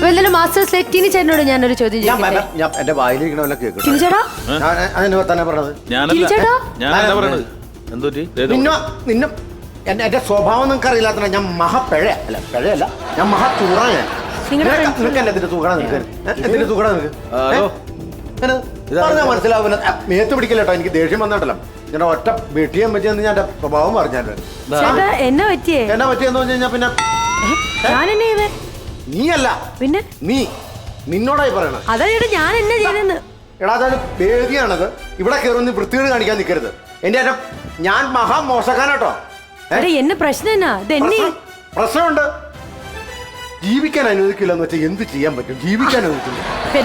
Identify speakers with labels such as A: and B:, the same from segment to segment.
A: എന്തായാലും മാസ്റ്റേഴ്സിലെ ടിനി ചേട്ടനോട് ഞാനൊരു ചോദ്യം ചോദിക്കട്ടെ?
B: എന്റെ വായിലിരിക്കണമല്ല കേൾക്കണം.
A: ടിനി ചേട്ടാ
B: അതിന് തന്നെ പറഞ്ഞത്
A: ടിനി ചേട്ടാ
C: ഞാനല്ല പറയണത്. എന്തോറ്റി
B: നിന്നെ എന്റെ സ്വഭാവം നിങ്ങൾക്ക് അറിയില്ലാത്ത ഞാൻ പിഴയല്ല ഞാൻ ചൂറാണ്. നിനക്ക് എന്നെ എന്തിന്റെ തൂക്കണം നിനക്ക് എന്തിന്റെ തൂക്കണം നിനക്ക് പറഞ്ഞാൽ മനസ്സിലാവില്ല. മേത്ത് പിടിക്കില്ല കേട്ടോ. എനിക്ക് ദേഷ്യം വന്നിട്ടല്ലോ. ഞാൻ ഒറ്റ വെട്ടിയാൻ പറ്റിയെന്ന് ഞാൻ എന്റെ സ്വഭാവം പറഞ്ഞാൽ
A: എന്നാ പറ്റിയേ
B: എന്നാ പറ്റിയെന്ന് പറഞ്ഞു കഴിഞ്ഞാൽ പിന്നെ
A: ഞാനെന്നെ ചെയ്തേ
B: നീയല്ല
A: പിന്നെ
B: നിന്നോടായി പറയണ.
A: അതാ ചേട്ടാ ഞാൻ എന്നെ ചെയ്തെന്ന്.
B: എടാ അതൊരു വേദിയാണത്. ഇവിടെ കയറുന്ന വൃത്തികേട് കാണിക്കാൻ നിൽക്കരുത്. ഞാൻ മോശക്കാനാട്ടോ.
A: എന്നെ പ്രശ്നം എന്നാ ഇതെന്നെ
B: പ്രശ്നമുണ്ട്. ജീവിക്കാൻ അനുവദിക്കില്ല എന്ന് വെച്ചാൽ എന്ത് ചെയ്യാൻ പറ്റും? ജീവിക്കാൻ അനുവദിക്കില്ല.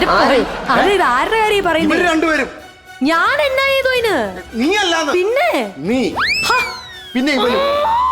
A: ആരുടെ കാര്യം പറയുന്നത്?
B: രണ്ടുപേരും.
A: ഞാൻ എന്നാ ചെയ്തു അതിന്?
B: നീ അല്ലാന്ന്.
A: പിന്നെ
B: പിന്നെ ഇവനും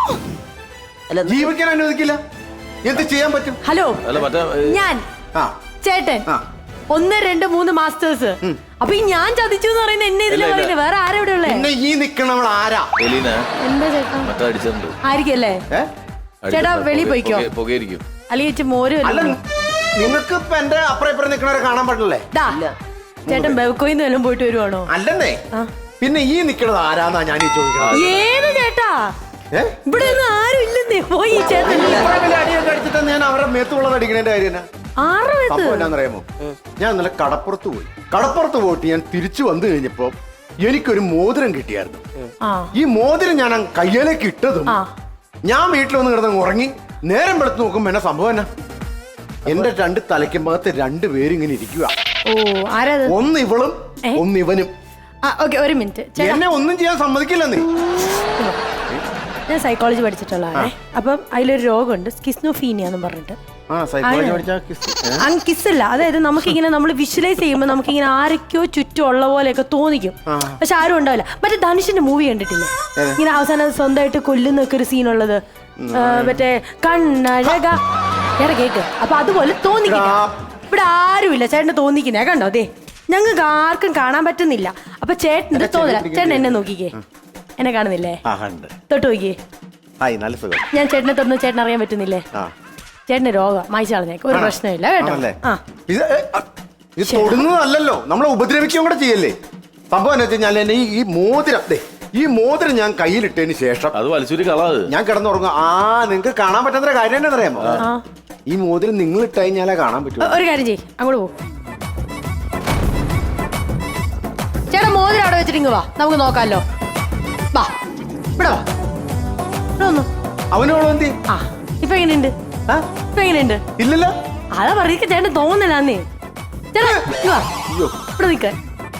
B: ജീവിക്കാൻ അനുവദിക്കില്ല. എന്ത് ചെയ്യാൻ പറ്റും?
A: ഹലോ ഞാൻ ചേട്ടൻ 1 2 3 മാസ്റ്റേഴ്സ്. അപ്പൊ ഈ ഞാൻ ചതിച്ചു എന്ന് പറയുന്നത് എന്നെ ഇതിലെ പറയുന്നത് വേറെ ആരാ ഇവിടെ ഉള്ളേ?
B: പിന്നെ ഈ നിക്കണവൾ ആരാ?
A: എന്താ ചേട്ടാ ആയിരിക്കല്ലേ? ചേട്ടാ വെളിയിൽ പോയിക്കോ. അല്ലെങ്കിൽ മോര്
B: നിങ്ങൾക്ക് ഇപ്പൊ എന്റെ അപ്പുറം ഇപ്പുറം നിക്കണവരെ കാണാൻ പറ്റില്ലേ?
A: ചേട്ടൻ ബെവക്കോയിന്ന് വല്ലതും പോയിട്ട് വരുവാണോ?
B: അല്ലെന്നേ. പിന്നെ ഈ നിക്കണത് ആരാന്നാ ഞാൻ ഈ ചോദിക്കണം.
A: ഏത് ചേട്ടാ? ഇവിടെ ഒന്നും ആരും ഇല്ലെന്നേ. പോയി ചേട്ടൻ
B: അടിയൊക്കെ അടിച്ചിട്ട് ഞാൻ അവരുടെ മേത്തുള്ളത് അടിക്കണേന്റെ കാര്യം എന്നാന്നറിയാമോ? ഞാൻ ഇന്നലെ കടപ്പുറത്ത് പോയിട്ട് ഞാൻ തിരിച്ചു വന്നു കഴിഞ്ഞപ്പോ എനിക്കൊരു മോതിരം കിട്ടിയായിരുന്നു. ഈ മോതിരം ഞാൻ കയ്യിലേക്ക് ഇട്ടതും ഞാൻ വീട്ടിൽ വന്ന് കിടന്ന് ഉറങ്ങി. നേരം വെളുത്ത് നോക്കുമ്പോ എന്നെ സംഭവം എന്നാ? എന്റെ 2 തലയ്ക്കുമ്പകത്ത് 2 പേരും ഇങ്ങനെ ഇരിക്കുക. ഒന്ന് ഇവളും ഒന്ന് ഇവനും.
A: ഒരു മിനിറ്റ്.
B: എന്നെ ഒന്നും ചെയ്യാൻ സമ്മതിക്കില്ല. നീ
A: ഞാൻ സൈക്കോളജി പഠിച്ചിട്ടുള്ളതാണേ. അപ്പം അതിലൊരു രോഗമുണ്ട്, സ്കിസ്നോഫീനിയ എന്ന് പറഞ്ഞിട്ട്. കിസ്സല്ല, അതായത് നമുക്കിങ്ങനെ നമ്മൾ വിഷ്വലൈസ് ചെയ്യുമ്പോൾ നമുക്കിങ്ങനെ ആരൊക്കെയോ ചുറ്റും ഉള്ള പോലെയൊക്കെ തോന്നിക്കും, പക്ഷെ ആരും ഉണ്ടാവില്ല. മറ്റേ ധനുഷിന്റെ മൂവി കണ്ടിട്ടില്ലേ? ഇങ്ങനെ അവസാനം സ്വന്തമായിട്ട് കൊല്ലുന്നൊക്കെ ഒരു സീനുള്ളത്, മറ്റേ കണ്ണഴക കേക്ക്. അപ്പൊ അതുപോലെ തോന്നിക്കില്ല. ഇവിടെ ആരുമില്ല, ചേട്ടന് തോന്നിക്കുന്നേ കണ്ടോ? അതെ, ഞങ്ങൾക്ക് ആർക്കും കാണാൻ പറ്റുന്നില്ല. അപ്പൊ ചേട്ടന് തോന്നില്ല. ചേട്ടൻ എന്നെ നോക്കിക്കേ, എന്നെ കാണുന്നില്ലേ? തൊട്ട് നോക്കിയേ. ഞാൻ ചേട്ടനെ തൊടുന്നു, ചേട്ടൻ അറിയാൻ പറ്റുന്നില്ലേ? ചേട്ടന് രോഗം മായ്ച്ചു കളഞ്ഞേക്ക്, ഒരു പ്രശ്നമില്ല കേട്ടോ.
B: ഇത് തൊടുന്നതല്ലോ, നമ്മളെ ഉപദ്രവിക്കുകയും കൂടെ ചെയ്യല്ലേ. സംഭവം എന്ന് വെച്ചാൽ ഈ മോതിരം ഞാൻ കയ്യിലിട്ടതിന് ശേഷം
C: അത് വലിച്ചൂരി കളാത്
B: ഞാൻ കിടന്നുറങ്ങും. നിങ്ങൾക്ക് കാണാൻ പറ്റുന്ന കാര്യം തന്നെ അറിയാമോ? ഈ മോതിരം നിങ്ങൾ ഇട്ട് കഴിഞ്ഞാലേ കാണാൻ പറ്റൂ.
A: ഒരു കാര്യം ചെയ്യ്, അങ്ങോട്ട് പോ. ചേട്ടാ മോതിരം അവിടെ വെച്ചിട്ട് വാ, നമുക്ക് നോക്കാമല്ലോ. വാ ഇവിടെ വാ.
B: അവനോളോ എന്തി?
A: ഇപ്പൊ എങ്ങനെയുണ്ട്? ഇപ്പൊ എങ്ങനെയുണ്ട്?
B: ഇല്ലല്ലോ.
A: അതാ പറയുക, ചേട്ടൻ തോന്നലാന്നേ. ചേട്ടാ ഇവിടെ നിൽക്കാൻ.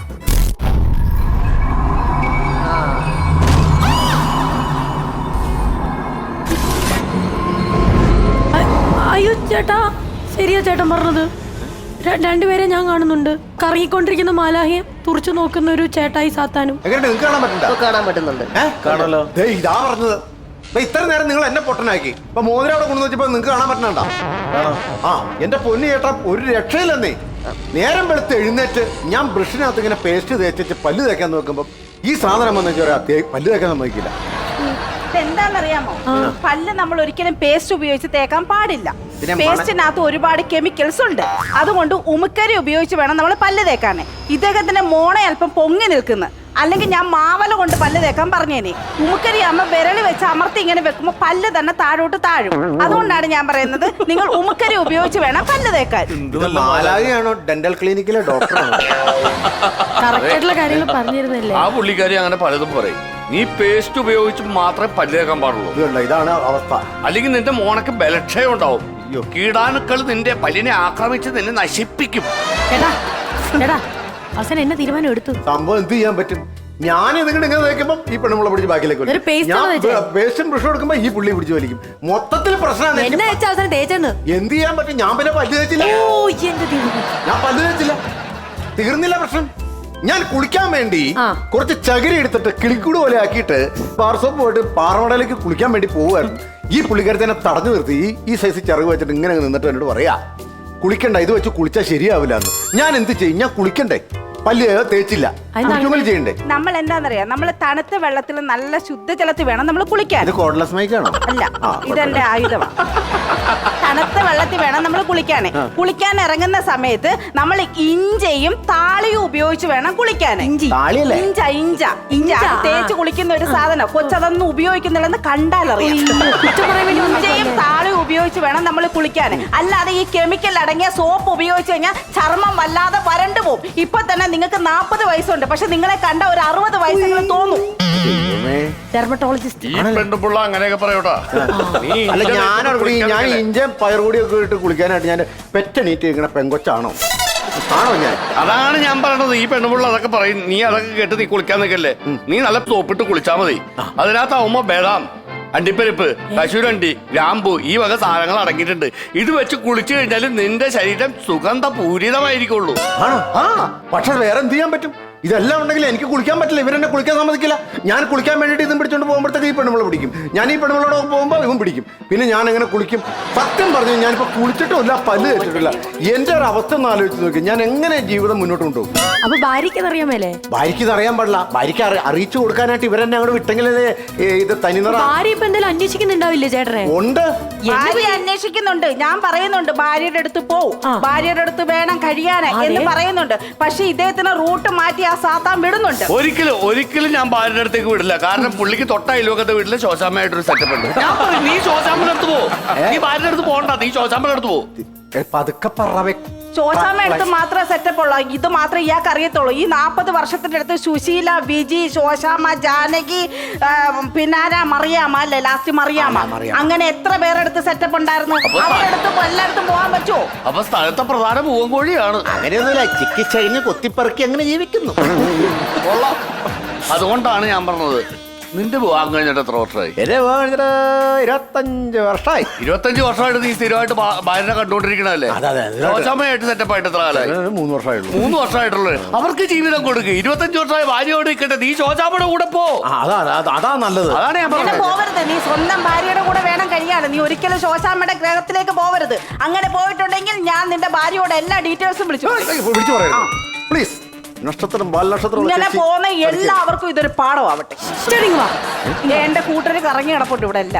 A: അയ്യോ ചേട്ടാ, ശരിയാ ചേട്ടൻ പറഞ്ഞത്. 2 പേരെ ഞാൻ കാണുന്നുണ്ട്. കറങ്ങിക്കൊണ്ടിരിക്കുന്ന മാലാഹിയെ തുറച്ചു നോക്കുന്ന ഒരു ചേട്ടായി സാത്താനും.
B: കാണാൻ പറ്റുന്നുണ്ട്. ഇതാ പറഞ്ഞത്. ഇത്ര നേരം നിങ്ങൾ എന്നെ പൊട്ടനാക്കി. ഇപ്പൊ മോതിരം അവിടെ കൊണ്ടു വെച്ചപ്പോ നിങ്ങൾക്ക് കാണാൻ പറ്റണണ്ട. എന്റെ പൊന്നു ചേട്ടാ, ഒരു രക്ഷയില്ലെന്നേ. നേരം വെളുത്ത് എഴുന്നേറ്റ് ഞാൻ ബ്രഷിനകത്ത് ഇങ്ങനെ പേസ്റ്റ് തേച്ചിട്ട് പല്ല് തേക്കാൻ നോക്കുമ്പോ ഈ സാധനം വന്നു പല്ല് തേക്കാൻ സമ്മതിക്കില്ല.
D: എന്താണെന്നറിയാമോ? പല്ല് നമ്മൾ ഒരിക്കലും പേസ്റ്റ് ഉപയോഗിച്ച് തേക്കാൻ പാടില്ല. പേസ്റ്റിനകത്ത് ഒരുപാട് കെമിക്കൽസ് ഉണ്ട്. അതുകൊണ്ട് ഉമുക്കരി ഉപയോഗിച്ച് വേണം നമ്മൾ പല്ല് തേക്കാൻ. ഇദ്ദേഹത്തിന്റെ മോണെ അല്പം പൊങ്ങി നിൽക്കുന്നു. അല്ലെങ്കിൽ ഞാൻ മാവല കൊണ്ട് പല്ല് തേക്കാൻ പറഞ്ഞേനെ. ഉമുക്കരി അമ്മ വിരളി വെച്ച് അമർത്തി ഇങ്ങനെ വെക്കുമ്പോ പല്ല് തന്നെ താഴോട്ട് താഴും. അതുകൊണ്ടാണ് ഞാൻ പറയുന്നത്, നിങ്ങൾ ഉമുക്കരി ഉപയോഗിച്ച് വേണം പല്ല് തേക്കാൻ.
B: ഡെന്റൽ ക്ലിനിക്കിലെ ഡോക്ടറാണ്.
A: കറക്റ്റായിട്ടുള്ള കാര്യങ്ങൾ പറഞ്ഞിരുന്നില്ലേ?
C: ആ പുള്ളിക്കാരി അങ്ങനെ പലതും പറയും. നീ പേസ്റ്റ് ഉപയോഗിച്ച് മാത്രമേ പല്ല് തേക്കാൻ പാടുള്ളൂ.
B: ഇതാണ് അവസ്ഥ.
C: അല്ലെങ്കിൽ നിന്റെ മോണക്ക് ബലക്ഷയം ഉണ്ടാവും. കീടാണുക്കൾ നിന്റെ പല്ലിനെ ആക്രമിച്ച് നിന്നെ നശിപ്പിക്കും.
A: അവസാനം എന്നെ തീരുമാനം എടുത്തു.
B: സംഭവം എന്ത് ചെയ്യാൻ പറ്റും? ഞാൻ ഇങ്ങനെ തേക്കുമ്പോ ഈ പെണ്ണുമ്പളെ പിടിച്ച് ബാക്കിലേക്ക് പേസ്റ്റും ബ്രഷും എടുക്കുമ്പോ ഈ പുള്ളി പിടിച്ച് വലിക്കും. മൊത്തത്തിൽ പ്രശ്നമാണ്. എന്ത് ചെയ്യാൻ പറ്റും? ഞാൻ പിന്നെ പല്ല് തേച്ചില്ല. ഞാൻ പല്ല് തേച്ചില്ല, തീർന്നില്ല പ്രശ്നം. ഞാൻ കുളിക്കാൻ വേണ്ടി കുറച്ച് ചകിരി എടുത്തിട്ട് കിളിക്കൂട് പോലെ ആക്കിയിട്ട് ബാർസോപ്പ് പോയിട്ട് പാറമടയിലേക്ക് കുളിക്കാൻ വേണ്ടി പോവുമായിരുന്നു. ഈ പുള്ളിക്കാരത്തെ എന്നെ തടഞ്ഞു നിർത്തി ഈ സൈസ് ചിറക് വെച്ചിട്ട് ഇങ്ങനെ നിന്നിട്ട് എന്നോട് പറയാ, കുളിക്കണ്ട, ഇത് വെച്ച് കുളിച്ചാൽ ശരിയാവില്ല എന്ന്. ഞാൻ എന്ത് ചെയ്യും? ഞാൻ കുളിക്കണ്ടേ? പല്ല് തേച്ചില്ല, ചെയ്യണ്ടേ?
D: നമ്മൾ എന്താന്നറിയാം, നമ്മൾ തണുത്ത വെള്ളത്തിൽ നല്ല ശുദ്ധജലത്തിൽ വേണം നമ്മൾ കുളിക്കാൻ.
B: ഇത് കോഡ്ലെസ് മൈക്കാണോ?
D: അല്ല, ഇതെന്റെ ആയുധമാണ്. തണുത്ത വെള്ളത്തിൽ വേണം നമ്മൾ കുളിക്കാനേ. കുളിക്കാൻ ഇറങ്ങുന്ന സമയത്ത് നമ്മൾ ഇഞ്ചയും താളിയും ഉപയോഗിച്ച് വേണം കുളിക്കാൻ.
B: താളിയല്ലേ?
D: ഇഞ്ച തേച്ച് കുളിക്കുന്ന ഒരു സാധനം. കൊച്ചതൊന്നും ഉപയോഗിക്കുന്നില്ലെന്ന് കണ്ടാലറിയാം. ഇഞ്ചയും താളിയും ഉപയോഗിച്ച് വേണം നമ്മൾ കുളിക്കാൻ. അല്ലാതെ ഈ കെമിക്കൽ അടങ്ങിയ സോപ്പ് ഉപയോഗിച്ച് കഴിഞ്ഞാൽ ചർമ്മം വല്ലാതെ വരണ്ടു പോകും. ഇപ്പൊ തന്നെ നിങ്ങൾക്ക് 40 വയസ്സുണ്ട്, പക്ഷെ നിങ്ങളെ കണ്ട ഒരു 60 വയസ്സെങ്കിലും തോന്നും.
A: ഡെർമറ്റോളജിസ്റ്റ്
C: അങ്ങനെയൊക്കെ പറയൂട്ടാ.
B: അല്ല ഞാൻ ഇഞ്ചം പയറുകൂടിയൊക്കെ ഇട്ട് കുളിക്കാനായിട്ട് ഞാൻ പെറ്റണീറ്റ് ഇങ്ങനെ പെങ്കൊച്ചാണോ? ആണോ ഞാൻ?
C: അതാണ് ഞാൻ പറയണത്. ഈ പെണ്ണുപിള്ള അതൊക്കെ പറയും. നീ അതൊക്കെ കേട്ട് നീ കുളിക്കാൻ നിൽക്കല്ലേ. നീ നല്ല സോപ്പിട്ട് കുളിച്ചാ മതി. അതിനകത്താവുമ്പോ ബദാം, അണ്ടിപ്പരിപ്പ്, കശുരണ്ടി, ഗ്രാമ്പു ഈ വക സാധനങ്ങൾ അടങ്ങിയിട്ടുണ്ട്. ഇത് വെച്ച് കുളിച്ചു കഴിഞ്ഞാൽ നിന്റെ ശരീരം സുഗന്ധപൂരിതമായിരിക്കുള്ളൂ.
B: ആണോ? പക്ഷെ വേറെ എന്ത് ചെയ്യാൻ പറ്റും? ഇതെല്ലാം ഉണ്ടെങ്കിൽ എനിക്ക് കുളിക്കാൻ പറ്റില്ല. ഇവരെന്നെ കുളിക്കാൻ സമ്മതിക്കില്ല. ഞാൻ കുളിക്കാൻ വേണ്ടിയിട്ട് ഇതും പിടിച്ചോണ്ട് പോകുമ്പോഴത്തേക്ക് ഈ പെണ്ണുമ്പളെ പിടിക്കും. ഞാൻ ഈ പെണ്ണുമ്പളോട് പോകുമ്പോൾ ഇവൻ പിടിക്കും. പിന്നെ ഞാൻ എങ്ങനെ കുളിക്കും? സത്യം പറഞ്ഞു ഞാനിപ്പോ കുളിച്ചിട്ടുമില്ല, പല്ല് തെറ്റിട്ടില്ല. എന്റെ ഒരു അവസ്ഥ ഒന്ന് ആലോചിച്ച് നോക്കി. ഞാൻ എങ്ങനെ ജീവിതം മുന്നോട്ട് കൊണ്ടുപോകും?
A: അപ്പൊ ഭാര്യയ്ക്ക് അറിയാൻ മേലേ?
B: ഭാര്യയ്ക്ക് ഇത് അറിയാൻ പാടില്ല. ഭാര്യയ്ക്ക് അറിയിച്ചു കൊടുക്കാനായിട്ട് ഇവരെന്നെ അങ്ങോട്ട് വിട്ടെങ്കിലേ ഇത് തനിനിറ.
A: ഭാര്യ ഇപ്പൊ എന്തെങ്കിലും അന്വേഷിക്കുന്നുണ്ടാവില്ലേ ചേട്ടനെ?
B: ഉണ്ട്,
D: ഭാര്യ അന്വേഷിക്കുന്നുണ്ട്. ഞാൻ പറയുന്നുണ്ട് ഭാര്യയുടെ അടുത്ത് പോവും, ഭാര്യയുടെ അടുത്ത് വേണം കഴിയാന് എന്ന് പറയുന്നുണ്ട്. പക്ഷെ ഇദ്ദേഹത്തിന് റൂട്ട് മാറ്റി ആ സാത്താൻ വിടുന്നുണ്ട്.
C: ഒരിക്കലും ഞാൻ ഭാര്യയുടെ അടുത്തേക്ക് വിടില്ല. കാരണം പുള്ളിക്ക് തൊട്ട അയൽവക്കത്തെ വീട്ടില് ശോശാമ്മയായിട്ടൊരു സെറ്റപ്പ് ഉണ്ട്. ഞാൻ പറയും നീ ശോശാമ്മയുടെ അടുത്ത് പോ. നീ ഭാര്യയുടെ അടുത്ത് പോകണ്ട, നീ ശോശാമ്മയുടെ അടുത്ത് പോ.
B: പതുക്കെ പറവേ.
D: ശോശാമ്മ എടുത്ത് മാത്രമേ സെറ്റപ്പ് ഉള്ളൂ. ഇത് മാത്രമേ ഇയാൾക്ക് അറിയത്തുള്ളൂ. ഈ 40 വർഷത്തിന്റെ അടുത്ത് സുശീല, വിജി, ശോശാമ്മ, ജാനകി, പിന്നാര മറിയാമ അല്ലേ, ലാസ്റ്റ് മറിയാമ, അങ്ങനെ എത്ര പേരെടുത്ത് സെറ്റപ്പ് ഉണ്ടായിരുന്നു. അവരെടുത്ത് എല്ലായിടത്തും പോകാൻ പറ്റുമോ?
C: അപ്പൊ സ്ഥലത്തെ പ്രധാന പൂവൻകോഴിയാണ്.
B: അങ്ങനെയൊന്നുമില്ല, ചിക്കിച്ചഴിഞ്ഞ് കൊത്തിപ്പറക്കി അങ്ങനെ ജീവിക്കുന്നു.
C: അതുകൊണ്ടാണ് ഞാൻ പറഞ്ഞത്. നിന്റെ വിവാഹം കഴിഞ്ഞിട്ട് എത്ര വർഷമായി?
B: 25 വർഷമായി.
C: 25 വർഷമായിട്ട് നീ സ്ഥിരമായിട്ട് ഭാര്യനെ കണ്ടുകൊണ്ടിരിക്കണല്ലേ? ശോശാമ്മയായിട്ട് സെറ്റപ്പായിട്ട് എത്ര കാലമായി?
B: 3 വർഷമായുള്ളൂ.
C: 3 വർഷമായിട്ടുള്ളൂ. അവർക്ക് ജീവിതം കൊടുക്കുക. 25 വർഷമായി ഭാര്യയോട് നിൽക്കട്ടെ. നീ ശോശാമ്മയുടെ കൂടെ പോ.
B: അതാ നല്ലത്.
C: അതാണ് ഞാൻ പറഞ്ഞത്.
D: പോവരുത്. നീ സ്വന്തം ഭാര്യയുടെ കൂടെ വേണം കഴിയാണ്. നീ ഒരിക്കലും ശോശാമ്മയുടെ ഗ്രഹത്തിലേക്ക് പോവരുത്. അങ്ങനെ പോയിട്ടുണ്ടെങ്കിൽ ഞാൻ നിന്റെ ഭാര്യയോട് എല്ലാ ഡീറ്റെയിൽസും വിളിച്ചു
B: പറയണം. പ്ലീസ്. നക്ഷത്രം, ബാലനക്ഷത്രം
D: ഇങ്ങനെ പോകുന്ന എല്ലാവർക്കും ഇതൊരു പാഠമാവട്ടെ. എന്റെ കൂട്ടര് കറങ്ങി കിടപ്പുണ്ട് ഇവിടെ എല്ലാം.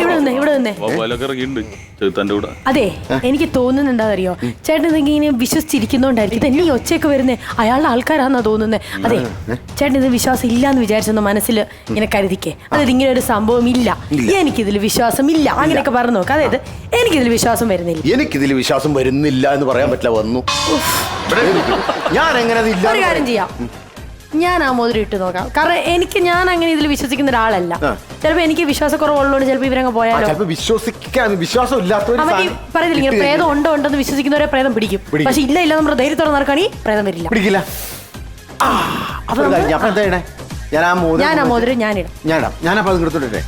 A: അതെ, എനിക്ക് തോന്നുന്നത് എന്താണെന്നറിയോ, ചേട്ടൻ ഇങ്ങനെ വിശ്വസിച്ചിരിക്കുന്നോണ്ടായിരിക്കും ഇതെന്നെ ഈ ഒച്ചയൊക്കെ വരുന്നേ. അയാളുടെ ആൾക്കാരാന്നാ തോന്നുന്നത്. അതെ, ചേട്ടൻ ഇത് വിശ്വാസം ഇല്ലാന്ന് വിചാരിച്ചെന്ന് മനസ്സിൽ ഇങ്ങനെ കരുതിക്കേ. അതായത് ഇങ്ങനെ ഒരു സംഭവം ഇല്ല, എനിക്കിതിൽ വിശ്വാസം ഇല്ല, അങ്ങനെയൊക്കെ പറഞ്ഞു നോക്കാം. അതായത് എനിക്കിതിൽ വിശ്വാസം വരുന്നില്ല.
B: എനിക്കിതിൽ വിശ്വാസം വരുന്നില്ല എന്ന് പറയാൻ പറ്റില്ല. വന്നു ഞാൻ എങ്ങനെ ഒരു
A: കാര്യം ചെയ്യാം, ഞാൻ ആ മോതിരം ഇട്ട് നോക്കാം. കാരണം ഞാൻ അങ്ങനെ ഇതിൽ വിശ്വസിക്കുന്ന ഒരാളല്ല. ചിലപ്പോ എനിക്ക് വിശ്വാസക്കുറവുള്ളതുകൊണ്ട് ചിലപ്പോ ഇവരങ്ങ് പോയാലോ.
B: വിശ്വാസം
A: പറയുന്നില്ല, ഇങ്ങനെ പ്രേതം ഉണ്ടെന്ന് വിശ്വസിക്കുന്നവരെ പ്രേതം പിടിക്കും. പക്ഷെ ഇല്ല നമ്മുടെ ധൈര്യത്തോടെ നടക്കുകയാണെങ്കിൽ പ്രേതം വരില്ല.
B: പിടിക്കില്ല.
A: ഞാൻ ആ മോതിരം ഞാനിടാം.
B: ഞാനപ്പോ അത് എടുത്തോട്ടെ.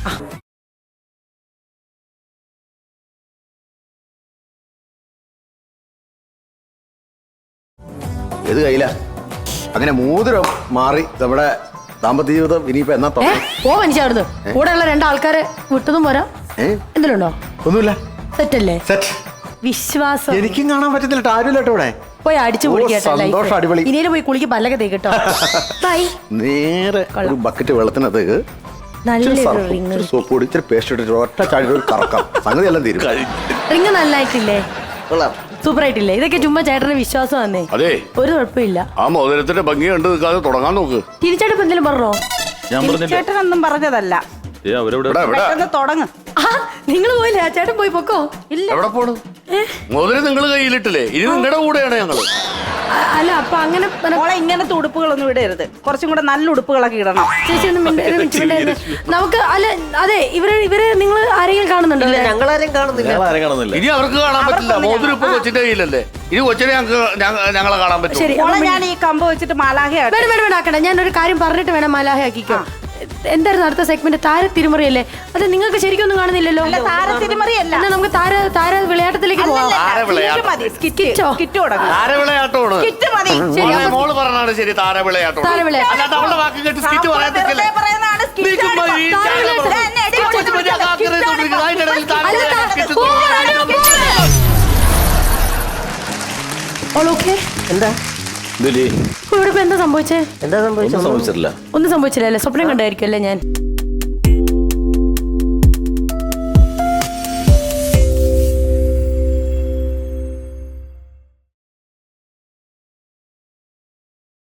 B: ഏത് കയ്യില? അങ്ങനെ മോതിരം മാറി നമ്മുടെ ദാമ്പത്യ ജീവിതം ഇനിയിപ്പോ എന്നാ
A: ഓ മനുഷ്യായിരുന്നു. കൂടെ ഉള്ള 2 ആൾക്കാരെ വിട്ടതും പോരാ. എന്തിനുണ്ടോ?
B: ഒന്നുമില്ല.
A: സെറ്റല്ലേ?
B: സെറ്റ്.
A: വിശ്വാസം
B: എനിക്കും കാണാൻ പറ്റുന്നില്ല. ആരുമില്ല ഇവിടെ.
A: പോയി അടിച്ചു
B: സന്തോഷം. അടിപൊളി.
A: ഇനിയും പോയി കുളിക്ക് പല്ലൊക്കെ തേക്കട്ടോ.
B: നേരെ ഒരു ബക്കറ്റ് വെള്ളത്തിനകത്തേക്ക് സോപ്പ് പൊടി, ഇച്ചിരി പേസ്റ്റ് ഇട്ടിട്ട് ഒറ്റ ചാടി കറക്കാം. സംഗതി എല്ലാം തീരും.
A: റിങ് നല്ലായിട്ടില്ലേ? സൂപ്പർ ആയിട്ടില്ലേ? ഇതൊക്കെ ചുമ്മാ ചേട്ടന്റെ വിശ്വാസം വന്നേ.
C: അതെ,
A: ഒരു കുഴപ്പമില്ല.
C: ആ മോതിരത്തിന്റെ ഭംഗി കണ്ട് നിൽക്കാതെ തുടങ്ങാൻ നോക്ക്.
A: തിരിച്ചേട്ടൻ എന്തെങ്കിലും പറഞ്ഞോ?
D: ചേട്ടനൊന്നും പറഞ്ഞതല്ല. തുടങ്ങ്.
A: നിങ്ങൾ പോയില്ലേ? ചേട്ടൻ പോയി പൊക്കോ. ഇല്ല.
C: എവിടെ പോണു? മോതിരം നിങ്ങൾ കയ്യിലിട്ടില്ലേ? ഇനി നിങ്ങളുടെ കൂടെയാണ് ഞങ്ങള്.
A: അല്ല, അപ്പൊ അങ്ങനെ
D: ഇങ്ങനത്തെ ഉടുപ്പുകളൊന്നും ഇടരുത്. കുറച്ചും കൂടെ നല്ല ഉടുപ്പുകളൊക്കെ ഇടണം.
A: ചേച്ചി നമുക്ക് അല്ല. അതെ, ഇവര് നിങ്ങൾ ആരെങ്കിലും കാണുന്നുണ്ടോ?
E: ഞങ്ങളാരും കാണുന്നില്ല.
C: ഇനി അവർക്ക് കാണാൻ പറ്റില്ല. മോതിരം ഇപ്പൊ കൊച്ചിന്റെ കയ്യിലല്ലേ. ഇനി കൊച്ചിനെ ഞങ്ങളെ കാണാൻ പറ്റും.
A: ശരി,
D: ഞാൻ ഈ കമ്പ് വെച്ചിട്ട് മാലാഹ
A: വേണ്ട. ഞാൻ ഒരു കാര്യം പറഞ്ഞിട്ട് വേണം മാലാഹ ആക്കിക്കോ. എന്തായിരുന്നു അടുത്ത സെഗ്മെന്റ്? താര തിരുമറിയല്ലേ? അത് നിങ്ങൾക്ക് ശരിക്കും ഒന്നും കാണുന്നില്ലല്ലോ.
D: താര തിരുമറിയല്ല,
A: നമുക്ക് താര വിളയാട്ടത്തിലേക്ക് പോവാം.
C: മോള് പറഞ്ഞാണ് ശരി. താര വിളയാട്ടം. അല്ലാതെ അവളുടെ വാക്ക് കേട്ട് സ്കിറ്റ് പറയാൻ
A: എന്താ ഇവിടെ എന്താ സംഭവിച്ചേ?
E: സംഭവിച്ചില്ല.
A: ഒന്നും സംഭവിച്ചില്ല. സ്വപ്നം കണ്ടായിരിക്കും അല്ലേ ഞാൻ?